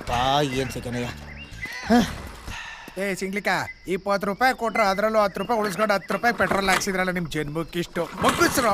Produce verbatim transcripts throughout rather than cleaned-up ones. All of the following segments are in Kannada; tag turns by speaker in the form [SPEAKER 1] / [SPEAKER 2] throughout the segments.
[SPEAKER 1] ಯಪ್ಪ ಏನ್ ಸಿಕ್ಕನಯ್ಯ.
[SPEAKER 2] ಏ ಸಿಂಗ್ಲಿಕ ಇಪ್ಪತ್ತು ರೂಪಾಯಿ ಕೊಟ್ರು ಅದರಲ್ಲೂ ಹತ್ತು ರೂಪಾಯಿ ಉಳಿಸ್ಕೊಂಡು ಹತ್ತು ರೂಪಾಯಿ ಪೆಟ್ರೋಲ್ ಹಾಕ್ಸಿದ್ರಲ್ಲ ನಿಮ್ ಜನ್ಮಕ್ಕೆ ಇಷ್ಟು ಮಗ್ಗಿಸ್ರು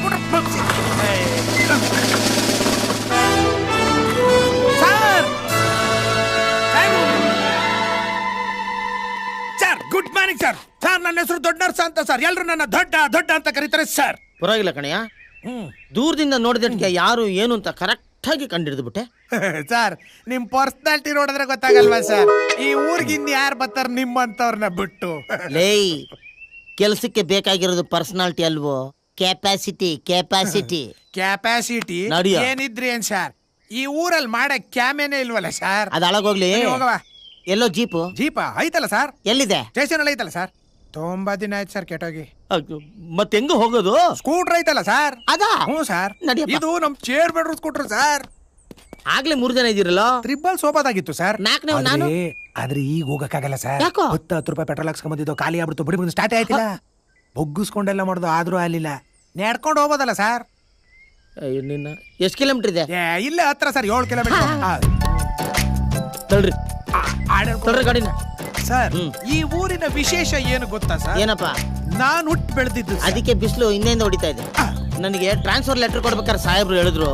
[SPEAKER 2] sir. Good morning sir. Sir ನನ್ನ ಹೆಸರು ದೊಡ್ಡ ನರ್ಸ ಅಂತ ಸರ್. ಎಲ್ರು ನನ್ನ ದೊಡ್ಡ ದೊಡ್ಡ ಅಂತ ಕರೀತಾರೆ ಸರ್.
[SPEAKER 1] ಪರವಾಗಿಲ್ಲ ಕಣಯ್ಯ, ದೂರದಿಂದ ನೋಡಿದಕ್ಕೆ ಯಾರು ಏನು ಅಂತ ಕರೆಕ್ಟ್ ಆಗಿ ಕಂಡಿಡಿದು ಬಿಟ್ಟೆ.
[SPEAKER 2] ಸರ್ ನಿಮ್ ಪರ್ಸನಾಲಿಟಿ ನೋಡಿದ್ರೆ ಗೊತ್ತಾಗಲ್ವಾ ಸರ್, ಈ ಊರಿಗೆ ಇನ್ ಯಾರು ಬರ್ತಾರ ನಿಮ್ಮಂತವ್ರನ್ನ ಬಿಟ್ಟು.
[SPEAKER 1] ಲೇ, ಕೆಲಸಕ್ಕೆ ಬೇಕಾಗಿರೋದು ಪರ್ಸನಾಲಿಟಿ ಅಲ್ವೋ, ಕೆಪಾಸಿಟಿ. ಕೆಪಾಸಿಟಿ
[SPEAKER 2] ಕೆಪಾಸಿಟಿ ಏನಿದ್ರಿ ಏನ್ ಸರ್, ಈ ಊರಲ್ಲಿ ಮಾಡಕ್ ಕ್ಯಾಮೇನೆ ಇಲ್ವಲ್ಲ ಸರ್.
[SPEAKER 1] ಅದ ಅಳಗೋಗ್ಲಿ.
[SPEAKER 2] ಹೋಗವ.
[SPEAKER 1] ಎಲ್ಲೋ ಜೀಪು
[SPEAKER 2] ಜೀಪ ಐತಲ್ಲ ಸರ್.
[SPEAKER 1] ಎಲ್ಲಿದೆ?
[SPEAKER 2] ಸ್ಟೇಷನ್ ಅಲ್ಲಿ ಐತಲ್ಲ ಸರ್. ತುಂಬಾ ದಿನ ಆಯ್ತು ಸರ್ ಕೆಟ್ಟೋಗಿ.
[SPEAKER 1] ಮತ್ತೆ ಹೆಂಗ ಹೋಗೋದು?
[SPEAKER 2] ಸ್ಕೂಟರ್ ಐತಲ್ಲ ಸರ್.
[SPEAKER 1] ಅದಾ?
[SPEAKER 2] ಹ್ಞೂ ಸರ್.
[SPEAKER 1] ನಡಿಯಪ್ಪ.
[SPEAKER 2] ಇದು ನಮ್ ಚೇರ್ ಬೆಡ್ರೂಮ್ ಸ್ಕೂಟರ್ ಸರ್.
[SPEAKER 1] ಆಗ್ಲೇ ಮೂರ್ ಜನ ಇದ್ದೀರಲ್ಲ.
[SPEAKER 2] ತ್ರಿಬಲ್ ಸೋಬಾದಾಗಿತ್ತು ಸರ್.
[SPEAKER 1] ನಾಲ್ಕನೇ ನಾನು.
[SPEAKER 2] ಆದ್ರೆ ಈಗ ಹೋಗಕ್ಕಾಗಲ್ಲ ಸರ್.
[SPEAKER 1] ಯಾಕೋ?
[SPEAKER 2] ಹತ್ತು ಹತ್ತು ರೂಪಾಯಿ ಪೆಟ್ರೋಲ್ ಹಾಕ್ಸ್ಕೊಂಬಂದಿದ್ದು ಖಾಲಿ ಆಗ್ಬಿಡ್ತು. ಬಿಡಿ ಬಂದು ಸ್ಟಾರ್ಟ್ ಆಯ್ತಿಲ್ಲ. ಬೊಗ್ಗಿಸ್ಕೊಂಡೆಲ್ಲ ಮಾಡುದು ಆದ್ರೂ ಆಗ್ಲಿಲ್ಲ. ನೆಡ್ಕೊಂಡು ಹೋಗೋದಲ್ಲ ಸರ್.
[SPEAKER 1] ನಿನ್ನ ಎಷ್ಟು ಕಿಲೋಮೀಟರ್ ಇದೆ?
[SPEAKER 2] ಇಲ್ಲ ಹತ್ರ ಸರ್, ಏಳು ಕಿಲೋಮೀಟರ್.
[SPEAKER 1] ತಳ್ರಿ ತಳ್ರಿ ಗಾಡಿನ.
[SPEAKER 2] ಸರ್ ಈ ಊರಿನ ವಿಶೇಷ ಏನು ಗೊತ್ತಾ ಸರ್?
[SPEAKER 1] ಏನಪ್ಪ?
[SPEAKER 2] ನಾನು ಹುಟ್ಟು ಬೆಳೆದಿದ್ದು.
[SPEAKER 1] ಅದಕ್ಕೆ ಬಿಸಿಲು ಇನ್ನೇಂದ ಹೊಡಿತಾ ಇದೆ. ನನಗೆ ಟ್ರಾನ್ಸ್ಫರ್ ಲೆಟರ್ ಕೊಡ್ಬೇಕಾದ್ರೆ ಸಾಹೇಬ್ರು ಹೇಳಿದ್ರು,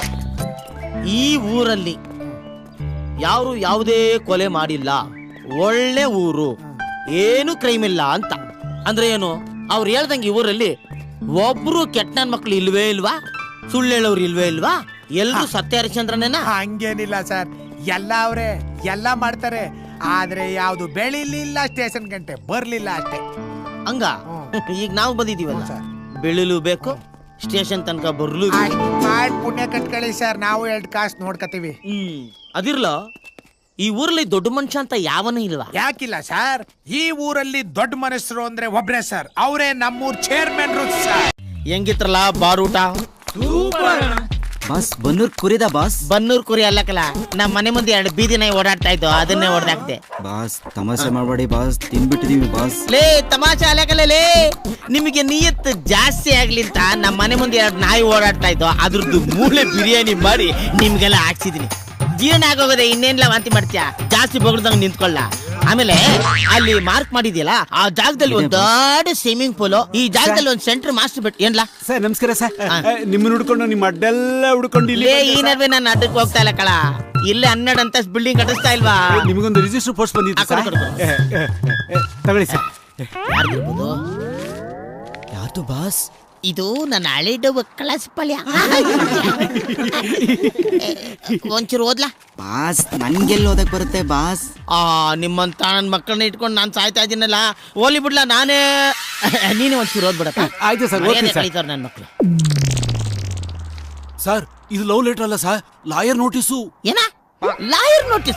[SPEAKER 1] ಈ ಊರಲ್ಲಿ ಯಾರು ಯಾವುದೇ ಕೊಲೆ ಮಾಡಿಲ್ಲ, ಒಳ್ಳೆ ಊರು, ಏನು ಕ್ರೈಮ್ ಇಲ್ಲ ಅಂತ. ಅಂದ್ರೆ ಏನು? ಅವ್ರು ಹೇಳ್ದಂಗೆ ಈ ಊರಲ್ಲಿ ಒಬ್ರು ಕೆಟ್ಟ ನನ್ ಮಕ್ಳು ಇಲ್ವೇ ಇಲ್ವಾ, ಸುಳ್ಳು ಹೇಳೋರು ಇಲ್ವೇ ಇಲ್ವಾ, ಎಲ್ರು ಸತ್ಯ ಹರಿಶ್ಚಂದ್ರನೇನ?
[SPEAKER 2] ಹಂಗೇನಿಲ್ಲ ಸರ್, ಎಲ್ಲ ಅವ್ರೆ ಎಲ್ಲ ಮಾಡ್ತಾರೆ. ಆದ್ರೆ ಯಾವ್ದು ಬೆಳಿಲಿಲ್ಲ, ಸ್ಟೇಷನ್ ಗಂಟೆ ಬರ್ಲಿಲ್ಲ ಅಷ್ಟೇ.
[SPEAKER 1] ಹಂಗ ಈಗ ನಾವು ಬಂದಿದೀವಲ್ಲ ಸರ್, ಬೆಳಿಲು ಬೇಕು, ಸ್ಟೇಷನ್ ತನಕ ಬರ್ಲು
[SPEAKER 2] ಮಾಡಿ ಪುಣ್ಯ ಕಟ್ಕೊಳ್ಳಿ ಸರ್. ನಾವು ಎರಡು ಕಾಸು ನೋಡ್ಕತೀವಿ.
[SPEAKER 1] ಹ್ಮ್ ಅದಿರ್ಲ, ಈ ಊರಲ್ಲಿ ದೊಡ್ಡ ಮನುಷ್ಯ ಅಂತ ಯಾವನೂ ಇಲ್ವಾ?
[SPEAKER 2] ಯಾಕಿಲ್ಲ ಸರ್, ಈ ಊರಲ್ಲಿ ದೊಡ್ಡ ಮನುಷ್ಯರು ಅಂದ್ರೆ ಒಬ್ರೇ ಸರ್, ಅವರೇ ನಮ್ಮೂರ್ ಚೇರ್ಮನ್ ಸರ್.
[SPEAKER 1] ಹೆಂಗಿತ್ರಲ್ಲ ಬಾರೂಟ?
[SPEAKER 3] ಬಾಸ್ ಬನ್ನೂರ್ ಕುರಿದ ಬಾಸ್.
[SPEAKER 1] ಬನ್ನೂರ್ ಕುರಿ ಅಲ್ಲಕಲ್ಲ, ನಮ್ಮ ಮನೆ ಮುಂದೆ ಎರಡು ಬೀದಿ ನಾಯಿ ಓಡಾಡ್ತಾ ಇತ್ತು, ಅದನ್ನೇ ಹೊಡೆದಾಕ್ದೆ.
[SPEAKER 3] ಬಾಸ್ ತಮಾಷೆ ಮಾಡಬೇಡಿ ಬಾಸ್, ತಿನ್ಬಿಟ್ಟಿದೀವಿ ಬಾಸ್.
[SPEAKER 1] ಲೇ ತಮಾಷೆ ಅಲ್ಲಕಲ್ಲ ಲೇ, ನಿಮಗೆ ನಿಯತ್ ಜಾಸ್ತಿ ಆಗ್ಲಿ ಅಂತ ನಮ್ಮ ಮನೆ ಮುಂದೆ ಎರಡು ನಾಯಿ ಓಡಾಡ್ತಾ ಇತ್ತು, ಅದ್ರದ್ದು ಮೂಳೆ ಬಿರಿಯಾನಿ ಮಾಡಿ ನಿಮ್ಗೆಲ್ಲ ಹಾಕ್ಸಿದೀನಿ. ಜೀರ್ಣ ಆಗೋಗದೆ, ಇನ್ನೇನ್ಲ ವಾಂತಿ ಮಾಡ್ತೀಯಾ? ಜಾಸ್ತಿ ಬಗ್ದಂಗ್ ನಿಂತ್ಕೊಳ್ಳ. ಆಮೇಲೆ ಅಲ್ಲಿ ಮಾರ್ಕ್ ಮಾಡಿದ್ಯಲ್ಲ, ಆ ಜಾಗದಲ್ಲಿ ಒಂದು ದೊಡ್ಡ ಸ್ವಿಮ್ಮಿಂಗ್ ಪೂಲ್, ಈ ಜಾಗದಲ್ಲಿ ಒಂದು ಸೆಂಟರ್ ಮಾಸ್ಟರ್ ಬೆಟ್. ಏನ್ಲಾ
[SPEAKER 4] ಸರ್ ನಮಸ್ಕಾರ ಸರ್. ನಿಮ್ಮನ್ನ ಹುಡ್ಕೊಂಡು ನಿಮ್ಮ ಅಡ್ಡೆಲ್ಲ ಹುಡ್ಕೊಂಡು ಇಲ್ಲಿ
[SPEAKER 1] ಈ ನಡುವೆ ನಾನು ಅಡ್ಡಕ್ಕೆ ಹೋಗ್ತಾ ಇಲ್ಲ ಕಳ. ಇಲ್ಲೇ ಹನ್ನೆರಡು ಅಂತ ಬಿಲ್ಡಿಂಗ್ ಕಟ್ಟಿಸ್ತಾ ಇಲ್ವಾ?
[SPEAKER 4] ನಿಮಗೊಂದು ರಿಜಿಸ್ಟರ್ ಪೋಸ್ಟ್ ಬಂದಿತ್ತು ಸರ್, ತಗೊಳ್ಳಿ ಸರ್.
[SPEAKER 1] ಯಾರ್ದಿರ್ಬೋದು?
[SPEAKER 3] ಯಾರ್ದು ಬಾಸ್?
[SPEAKER 1] ಇದು ನನ್ನ ಹಳೆದು ಕಳಸ ಪಲ್ಯ. ಒಂಚೂರು ಓದ್ಲಾ
[SPEAKER 3] ಬಾಸ್? ನನ್ಗೆಲ್ಲ ಓದಕ್ ಬರುತ್ತೆ ಬಾಸ್?
[SPEAKER 1] ಆ ನಿಮ್ಮಂತ ನನ್ನ ಮಕ್ಕಳನ್ನ ಇಟ್ಕೊಂಡು ನಾನು ಸಾಯ್ತಾ ಇದ್ದೀನಲ್ಲ, ಓಲಿ ಬಿಡ್ಲಾ ನಾನೇ. ನೀನೇ ಒಂಚೂರು ಓದ್ಬಿಡಪ್ಪ.
[SPEAKER 4] ಆಯ್ತು ಸರ್,
[SPEAKER 1] ಕಳೀತಾರ ನನ್ನ ಮಕ್ಕಳು.
[SPEAKER 4] ಸರ್ ಇದು ಲವ್ ಲೆಟರ್ ಅಲ್ಲ ಸರ್, ಲಾಯರ್ ನೋಟಿಸು.
[SPEAKER 1] ಏನ ಲಾಯರ್ ನೋಟಿಸ್?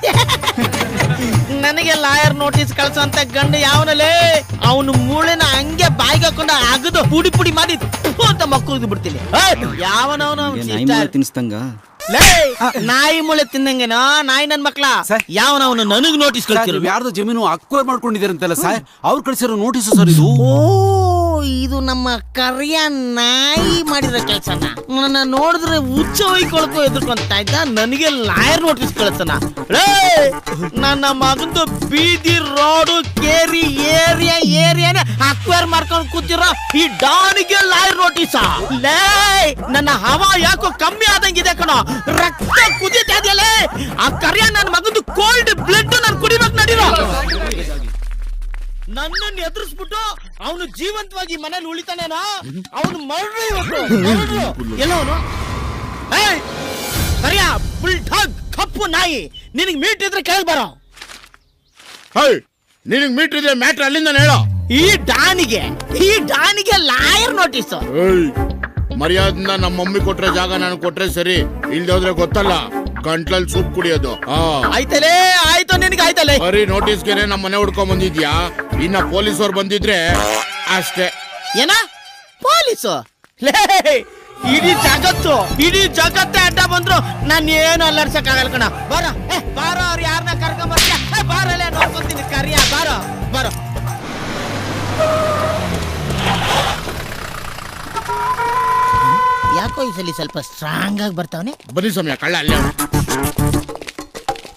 [SPEAKER 1] ನನಗೆ ಲಾಯರ್ ನೋಟಿಸ್ ಕಳ್ಸಂತ ಗಂಡು ಯಾವನಲ್ಲೇ, ಅವನು ಮೂಳೆನ ಹಂಗೆ ಬಾಯಿಗೆ ಹಾಕೊಂಡ ಅಗದು ಪುಡಿ ಪುಡಿ ಮಾಡಿ ಅಂತ ಮಕ್ಕಳು ಬಿಡ್ತೀನಿ. ಯಾವನವನು
[SPEAKER 3] ತಿನ್ಸ್ತಂಗ
[SPEAKER 1] ನಾಯಿ ಮೂಳೆ ತಿನ್ನಂಗೆನೋ ನಾಯಿ ನನ್ ಮಕ್ಳ. ಯಾವನವನು ನನಗ್ ನೋಟಿಸ್ ಕಳ್ಸಿರೋ?
[SPEAKER 4] ಯಾರ್ದು ಜಮೀನು ಅಕ್ವೈರ್ ಮಾಡ್ಕೊಂಡಿದ್ದೀರಂತಲ್ಲ ಸರ್, ಅವ್ರು ಕಳ್ಸಿರೋ ನೋಟಿಸ್ ಸರ್ ಇದು.
[SPEAKER 1] ಓ ಇದು ನಮ್ಮ ಕರಿಯ ನಾಯಿ ಮಾಡಿರೋ ಕೆಲ್ಸನ. ನನ್ನ ನೋಡಿದ್ರೆ ಹುಚ್ಚ ಹೊಯ್ಕೊಳಕ್ಕೂ ಎದುರ್ಕೊಂತ ಇದ್ದ, ನನಗೆ ಲಾಯರ್ ನೋಟಿಸ್ ಕಳ್ಸನ. ನನ್ನ ಮಗಂದು ಬೀದಿ ರೋಡು ಕೇರಿ ಏರಿಯಾ ಏರಿಯಾನೆ ಅಕ್ವೈರ್ ಮಾಡ್ಕೊಂಡು ಕೂತಿರೋ ಈ ಡಾನಿಗೆ ಲಾಯರ್ ನೋಟಿಸ್. ಲೇ ನನ್ನ ಹವಾ ಯಾಕೋ ಕಮ್ಮಿ ಆದಂಗಿದೆ ಕಣೋ, ರಕ್ತ ಕುದೀತಾ ಇದೆಯಲ್ಲೇ. ಆ ಕರಿಯ ನನ್ನ ಮಗಂದು ಕೋಲ್ಡ್ ಬ್ಲಡ್ ನಾನು ಕುಡಿಬೇಕು ನಡೀರೋ. ನನ್ನನ್ನು ಎದುರಿಸ್ಬಿಟ್ಟು ಅವನು ಜೀವಂತವಾಗಿ ಮನೇಲಿ ಉಳಿತಾನೇನೋ, ಅವನು ಮರಳು ಇವತ್ತು ಎಲ್ಲವನು. ಕರಿಯ ಬುಲ್ ಡಾಗ್ ಕಪ್ಪು ನಾಯಿ, ನಿನಗ್ ಮೀಟ್ ಇದ್ರೆ ಕೆಳಗೆ ಬರೋ.
[SPEAKER 5] ನಿನಗ್ ಮೀಟ್ ಇದ್ರೆ ಮ್ಯಾಟ್ರ್ ಅಲ್ಲಿಂದ ಹೇಳೋ.
[SPEAKER 1] ಈ ಡಾನಿಗೆ ಈ ಡಾನಿಗೆ ಲಾಯರ್ ನೋಟಿಸ್.
[SPEAKER 5] ಮರ್ಯಾದಿಂದ ನಮ್ಮ ಮಮ್ಮಿ ಕೊಟ್ರೆ ಜಾಗ ನಾನು ಕೊಟ್ರೆ ಸರಿ, ಇಲ್ದೆ ಹೋದ್ರೆ ಗೊತ್ತಲ್ಲ ಗಂಟ್ಲಲ್ಲಿ ಸೂಪ್ ಕುಡಿಯೋದು.
[SPEAKER 1] ಆಯ್ತಲೇ ಆಯ್ತು, ನಿನಗೆ ಆಯ್ತಲ್ಲೇ.
[SPEAKER 5] ಬರೀ ನೋಟಿಸ್ಗೆನೆ ನಮ್ಮ ಮನೆ ಹುಡ್ಕೊಂಡ್ ಬಂದಿದ್ಯಾ, ಇನ್ನ ಪೊಲೀಸವ್ರು ಬಂದಿದ್ರೆ ಅಷ್ಟೇ.
[SPEAKER 1] ಏನ ಪೊಲೀಸು? ಇಡೀ ಜಗತ್ತು ಇಡೀ ಜಗತ್ತೇ ಅಡ್ಡ ಬಂದ್ರು ನಾನು ಏನು ಅಲ್ಲಾಡ್ಸಕ್ ಆಗಲ್ಲ ಕಣ. ಬಾರ ಬಾರೋ, ಅವ್ರು ಯಾರನ್ನ ಕರ್ಕೊಂಡ್ ಬರ್ತೀಯ? ಬಾರಲ್ಲೇ ನೋಡ್ಕೊಂತೀನಿ. ಕರಿಯ ಬಾರೋ ಬಾರೋ. ಯಾಕೋ ಈ ಸಲ ಸ್ವಲ್ಪ ಸ್ಟ್ರಾಂಗ್ ಆಗಿ ಬರ್ತಾವನೆ.
[SPEAKER 5] ಬನ್ನಿ ಸಮಯ ಕಳ್ಳ ಅಲ್ಲೇ.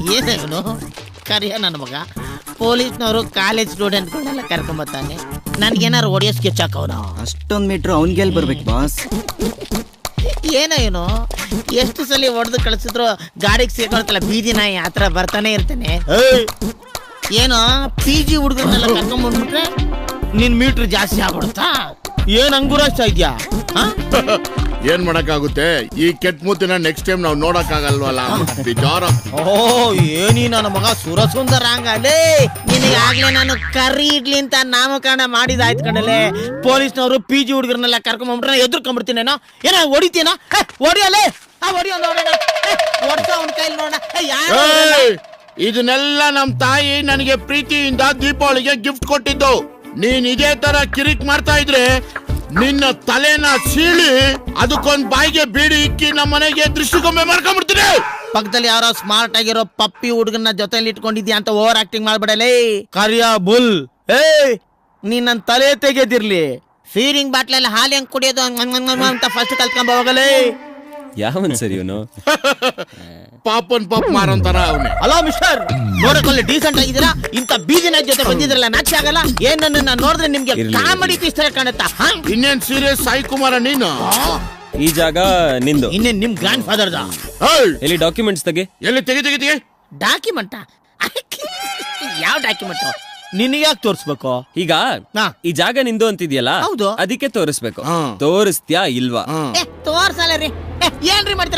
[SPEAKER 1] ಏನೇನು ಕರಿಯ ನನ್ನ ಮಗ ಪೊಲೀಸ್ನವರು ಕಾಲೇಜ್ ಸ್ಟೂಡೆಂಟ್ಗಳನ್ನೆಲ್ಲ ಕರ್ಕೊಂಬತ್ತಾನೆ ನನ್ಗೇನಾರು ಹೊಡಿಯೋ ಸ್ಕೆಚ್ ಹಾಕವನ
[SPEAKER 3] ಅಷ್ಟೊಂದ್ ಮೀಟ್ರ್ ಅವ್ನಿಗೆಲ್ ಬರ್ಬೇಕು ಬಾಸ್.
[SPEAKER 1] ಏನೋ ಏನು ಎಷ್ಟು ಸಲ ಹೊಡೆದು ಕಳಿಸಿದ್ರು ಗಾಡಿಗೆ ಸೇರ್ಕೊಳ್ತಲ್ಲ ಬೀದಿ ನಾಯಿ ಆತರ ಬರ್ತಾನೆ ಇರ್ತಾನೆ. ಏನೋ ಪಿ ಜಿ ಹುಡುಗರನ್ನೆಲ್ಲ ಕರ್ಕೊಂಡ್ಬಂದ್ಬಿಟ್ರೆ ನಿನ್ ಮೀಟ್ರ್ ಜಾಸ್ತಿ ಆಗ್ಬಿಡುತ್ತಾ? ಏನ್ ಅಂಗುರಾಗ್ತಾ ಇದ್ಯಾ?
[SPEAKER 5] ಏನ್ ಮಾಡಕ್ಕಾಗುತ್ತೆ, ಈ ಕೆಟ್ಟ ಮೂತಿನ ನೆಕ್ಸ್ಟ್ ಟೈಮ್ ನಾವು ನೋಡಕ್ ಆಗಲ್ವಲ್ಲ ಬಿಜಾರ.
[SPEAKER 1] ಓ ಏನಿ ನನ್ನ ಮಗ ಸುರಸುಂದರ ಹಂಗಲೇ ನಿನಗೆ ಆಗ್ಲೇ ನಾನು ಕರಿ ಇಡ್ಲಿ ಅಂತ ನಾಮಕರಣ ಮಾಡಿದಾಯ್ತು ಕಣಲೆ. ಪೊಲೀಸ್ನವರು ಪಿ ಜಿ ಹುಡುಗರನ್ನೆಲ್ಲ ಕರ್ಕೊಂಡ್ಬಿಟ್ರೆ ಎದುರ್ಕೊಂಡ್ಬಿಡ್ತೀನೇನೋ ಏನೋ ಹೊಡಿತೀನೋ ಹೊಡಿಯಲೇ ಆ ಹೊಡಿಯೋ ನೋಡೋಣ ಹೊಡ್ಸ ಅವನ ಕೈಲಿ ನೋಡೋಣ ಯಾರು.
[SPEAKER 5] ಇದನ್ನೆಲ್ಲ ನಮ್ ತಾಯಿ ನನಗೆ ಪ್ರೀತಿಯಿಂದ ದೀಪಾವಳಿಗೆ ಗಿಫ್ಟ್ ಕೊಟ್ಟಿದ್ದು. ನೀನ್ ಇದೇ ತರ ಕಿರಿಕ್ ಮಾಡ್ತಾ ಇದ್ರೆ ನಿನ್ನ ತಲೆನ ಸೀಳಿ ಅದಕ್ಕೊಂದ್ ಬಾಯಿಗೆ ಬೀಡಿ ಇಕ್ಕಿ ನಮ್ಮ ಮನೆಗೆ ದೃಷ್ಟಿಗೊಮ್ಮೆ ಮಾಡ್ಕೊಂಡ್ಬಿಡ್ತೀನಿ.
[SPEAKER 1] ಪಕ್ಕದಲ್ಲಿ ಯಾರೋ ಸ್ಮಾರ್ಟ್ ಆಗಿರೋ ಪಪ್ಪಿ ಹುಡುಗನ ಜೊತೆಲಿ ಇಟ್ಕೊಂಡಿದ್ಯಾ ಅಂತ ಓವರ್ ಆಕ್ಟಿಂಗ್ ಮಾಡ್ಬಿಡಲೇ ಕರಿಯ ಬುಲ್. ಏ ನೀನ್ ನನ್ ತಲೆ ತೆಗೆದಿರ್ಲಿ. ಫೀರಿಂಗ್ ಬಾಟ್ಲಲ್ಲಿ ಹಾಲು ಹೆಂಗ್ ಕುಡಿಯೋದು ಅಂತ ಫಸ್ಟ್ ಕಲ್ತ್ಕೊಂಡ್ ಹೋಗಲೇ.
[SPEAKER 6] ಯಾವನ್ ಸರಿ ಇವನು?
[SPEAKER 5] ಪಾಪನ್ ಪಾಪ್ ಮಾರಂತಾರ ಅವನೇ.
[SPEAKER 1] ಹಲೋ ಮಿಸ್ಟರ್, ನೋಡಕೊಳ್ಳಿ ಡೀಸೆಂಟ್ ಆಗಿದ್ದೀರಾ, ಇಂತ ಬೀದಿನ ಜೊತೆ ಬಂದಿದ್ರಲ್ಲ ನಾಚಿ ಆಗಲ್ಲ? ಏನ್ ನನ್ನ ನೋಡಿದ್ರೆ ನಿಮ್ಗೆ ಕಾಮಿಡಿ ಇಷ್ಟ ಕಾಣುತ್ತಾ?
[SPEAKER 5] ಇನ್ನೇನ್ ಸೀರಿಯಸ್ ಸಾಯಿ ಕುಮಾರ ನೀನು?
[SPEAKER 6] ಈ ಜಾಗ ನಿಂದು.
[SPEAKER 1] ಇನ್ನೇನ್ ನಿಮ್ ಗ್ರ್ಯಾಂಡ್ ಫಾದರ್ದ?
[SPEAKER 6] ಎಲ್ಲಿ ಡಾಕ್ಯುಮೆಂಟ್ಸ್ ತೆಗಿ.
[SPEAKER 5] ಎಲ್ಲಿ ತೆಗಿ ತೆಗಿ ತೆಗಿ.
[SPEAKER 1] ಡಾಕ್ಯುಮೆಂಟ್? ಯಾವ ಡಾಕ್ಯುಮೆಂಟ್? ನಿನಗೆ ಯಾಕೆ ತೋರಿಸ್ಬೇಕು?
[SPEAKER 6] ಈಗ ಈ ಜಾಗ ನಿಂದು ಅಂತಿದ್ಯಲ್ಲ,
[SPEAKER 1] ಹೌದು.
[SPEAKER 6] ಅದಕ್ಕೆ ತೋರಿಸ್ಬೇಕು.
[SPEAKER 5] ಹಾ.
[SPEAKER 6] ತೋರಿಸ್ತ್ಯಾ ಇಲ್ವಾ?
[SPEAKER 1] ಏ ತೋರ್ಸಲ್ಲ ರೀ. ಏ, ಏನ್ರಿ ಮಾಡ್ತೀರ?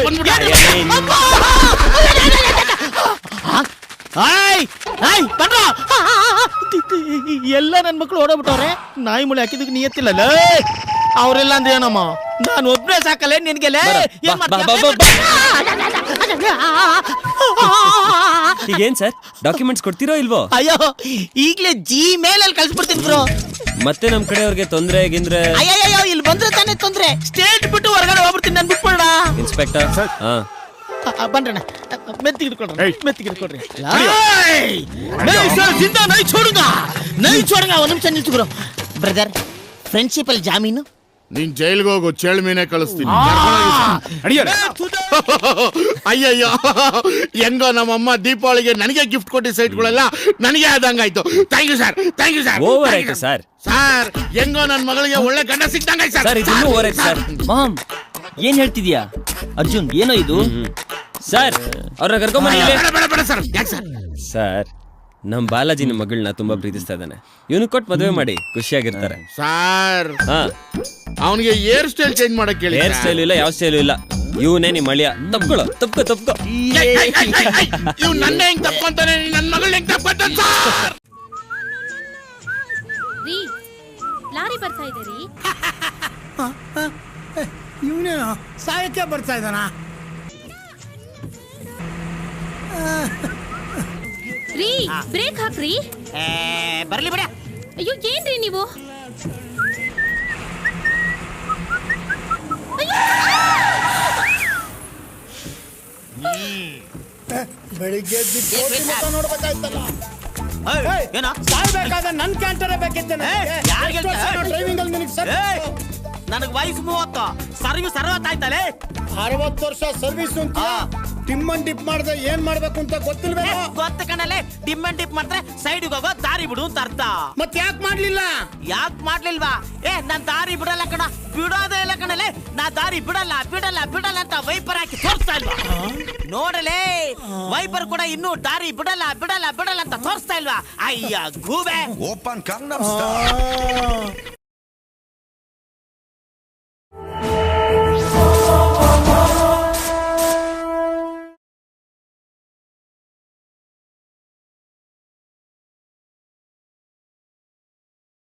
[SPEAKER 1] ಎಲ್ಲ ನನ್ ಮಕ್ಳು ಓಡೋಗ್ಬಿಟ್ಟವ್ರೆ. ನಾಯಿ ಮುಳಿ ಹಾಕಿದಕ್ಕೆ ನಿಯತ್ತಿಲ್ಲ. ಅವ್ರೆಲ್ಲ ಅಂದ್ರೆ ಏನಮ್ಮ, ನಾನು ಒಬ್ನೇ ಸಾಕಲ್ಲ ನಿನ್ಗೆಲ್ಲ.
[SPEAKER 6] ಈಗೇನ್ ಸರ್ ಡಾಕ್ಯುಮೆಂಟ್ಸ್ ಕೊಡ್ತೀರೋ ಇಲ್ವೋ?
[SPEAKER 1] ಅಯ್ಯೋ ಈಗ್ಲೇ ಜಿ ಮೇಲ್ ಅಲ್ಲಿ ಕಳ್ಸ್ಬಿಡ್ತೀನಿ ಬ್ರೋ.
[SPEAKER 6] ಮತ್ತೆ ನಮ್ ಕಡೆಯವ್ರಿಗೆ ತೊಂದ್ರೆ ಗಿಂದ್ರೆ?
[SPEAKER 1] ಅಯ್ಯಯ್ಯೋ ಇಲ್ಲಿ ಬಂದ್ರೆ ತಾನೇ ತೊಂದ್ರೆ. ಸ್ಟೇಟ್ ಬಿಟ್ಟು ಹೊರಗಡೆ ಹೋಗ್ಬಿಡ್ತೀನಿ ನನ್ ಬಿಟ್ಬಿಡ.
[SPEAKER 6] ಇನ್ಸ್ಪೆಕ್ಟರ್ ಹಾ
[SPEAKER 1] ಬಂದ್ರಣ ಮೆತ್ತಿಗೆ ಇಟ್ಕೊಳ್ರಿ, ಮೆತ್ತಿಗೆ ಇಟ್ಕೊಳ್ರಿ. ಜಿಂದಾ ನೈ ಛೋಡುಂಗಾ, ನೈ ಛೋಡುಂಗಾ. ಒಂದ್ ನಿಮಿಷ ನಿಲ್ಸು ಬ್ರೋ. ಬ್ರದರ್, ಫ್ರೆಂಡ್ಶಿಪ್ ಅಲ್ಲಿ ಜಾಮೀನು?
[SPEAKER 5] ನೀನ್ ಜೈಲ್ಗೆ ಹೋಗು, ಚೇಳು ಮೀನೇ ಕಳಿಸ್ತೀನಿ. ಅಯ್ಯಯ್ಯೋ, ಹೆಂಗೋ ನಮ್ಮಮ್ಮ ದೀಪಾವಳಿಗೆ ನನಗೆ ಗಿಫ್ಟ್ ಕೊಟ್ಟಿ ಸೈಟ್ಗಳೆಲ್ಲ ನನಗೆ ಆದಂಗಾಯ್ತು. Thank you sir, thank you sir.
[SPEAKER 6] Over ಆಯ್ತು ಸರ್.
[SPEAKER 5] ಸರ್ ಹೆಂಗೋ ನನ್ ಮಗಳಿಗೆ ಒಳ್ಳೆ ಗಂಡ ಸಿಕ್ತಂಗಾಯ್ತು ಸರ್.
[SPEAKER 6] ಸರ್ ಇದನ್ನು ಓವರ್ ಆಯ್ತು ಸರ್.
[SPEAKER 7] ಮಾಮ್ ಏನ್ ಹೇಳ್ತಿದ್ಯಾ ಅರ್ಜುನ್? ಏನೋ ಇದು?
[SPEAKER 6] ಸರ್ ಅವ್ರನ್ನ ಕರ್ಕೊಂಬನ್ನಿ.
[SPEAKER 5] ಬೇಡ ಬೇಡ ಬೇಡ ಸರ್. ಯಾಕೆ ಸರ್?
[SPEAKER 6] ಸರ್ ನಮ್ ಬಾಲಾಜಿ ನಮ್ಮ ಮಗಳನ್ನ ತುಂಬಾ ಪ್ರೀತಿಸ್ತಾ ಇದ್ದಾನೆ. ಇವನು ಕೊಟ್ಟು ಮದುವೆ ಮಾಡಿ ಖುಷಿಯಾಗಿರ್ತಾರೆ.
[SPEAKER 5] ಸರ್
[SPEAKER 6] ಹಾ
[SPEAKER 5] ಅವನಿಗೆ ಹೇರ್ ಸ್ಟೈಲ್ ಚೇಂಜ್ ಮಾಡಕ್ ಹೇಳಿ.
[SPEAKER 6] ಹೇರ್ ಸ್ಟೈಲ್ ಇಲ್ಲ, ಯಾವ ಸ್ಟೈಲು ಇಲ್ಲ. ಇವನೇ ನಿಮ್ಮ ಅಳಿಯ. ತಪ್ಕೊಳ್ಳೋ, ತಪ್ಕೋ ತಪ್ಕೋ.
[SPEAKER 5] ಇವ್ ನನ್ನ ಹೆಂಗ್ ತಪ್ಕೊಂತಾನೆ, ನನ್ ಮಗಳ್ ಹೆಂಗ್ ತಪ್ಕೊಂತಾನೆ ಸರ್?
[SPEAKER 8] ರೀ ಲಾರಿ ಬರ್ತಾ ಇದೆ ರೀ.
[SPEAKER 2] ಇವನೇನು ಸಾಯಕ್ಕೆ ಬರ್ತಾ ಇದ್ದಾನ?
[SPEAKER 8] ರೀ ಬ್ರೇಕ್ ಹಾಕ್ರಿ.
[SPEAKER 1] ಬರ್ಲಿ ಬಿಡ.
[SPEAKER 8] ಅಯ್ಯೋ ಏನ್ರಿ ನೀವು?
[SPEAKER 2] ಬೆಳಿಗ್ಗೆ ನೋಡ್ಬೇಕಾಯ್ತಲ್ಲ.
[SPEAKER 1] ಏನೋ
[SPEAKER 2] ಸಾಯ್ಬೇಕಾದ ನನ್ ಕ್ಯಾಂಟರೇ ಬೇಕಿತ್ತೇನೆ. ಡ್ರೈವಿಂಗ್ ಅಲ್ಲಿ ನಿನಗೆ ಸರ್
[SPEAKER 1] ನನಗ್ ವಯಸ್ಸು ಮೂವತ್ತು, ಸರ್ವಿಸ್ ಅರವತ್ತಾಯ್ತಲೇ.
[SPEAKER 2] ಅರವತ್ತು ವರ್ಷ ಸರ್ವಿಸ್ ಅಂತ ಟಿಮ್ಮನ್ ಡಿಪ್ ಮಾಡಿದ್ರೆ ಏನ್ ಮಾಡ್ಬೇಕು ಅಂತ ಗೊತ್ತಿಲ್ವೇನೋ?
[SPEAKER 1] ಗೊತ್ತ ಕಣಲೆ, ಡಿಮ್ ಅಂಡ್ ಡಿಪ್ ಮಾಡಿದ್ರೆ ಸೈಡ್ ಹೋಗೋ ದಾರಿ ಬಿಡು ಅಂತ ಅರ್ಥ.
[SPEAKER 2] ಮತ್ ಯಾಕೆ ಮಾಡ್ಲಿಲ್ಲ?
[SPEAKER 1] ಯಾಕೆ ಮಾಡ್ಲಿಲ್ವಾ? ಏ ನಾನ್ ದಾರಿ ಬಿಡಲ್ಲ ಕಣ, ಬಿಡೋದೇ ಇಲ್ಲ ಕಣಲೆ. ನಾ ದಾರಿ ಬಿಡಲ್ಲ ಬಿಡಲ್ಲ ಬಿಡಲ್ಲ ಅಂತ ವೈಪರ್ ಹಾಕಿ ತೋರಿಸ್ತಾ ಇಲ್ವಾ? ನೋಡಲೇ, ವೈಪರ್ ಕೂಡ ಇನ್ನೂ ದಾರಿ ಬಿಡಲ್ಲ ಬಿಡಲ್ಲ ಬಿಡಲ್ಲ ಅಂತ ತೋರಿಸ್ತಾ ಇಲ್ವಾ? ಅಯ್ಯ ಗೂಬೆ.
[SPEAKER 9] ಓಪನ್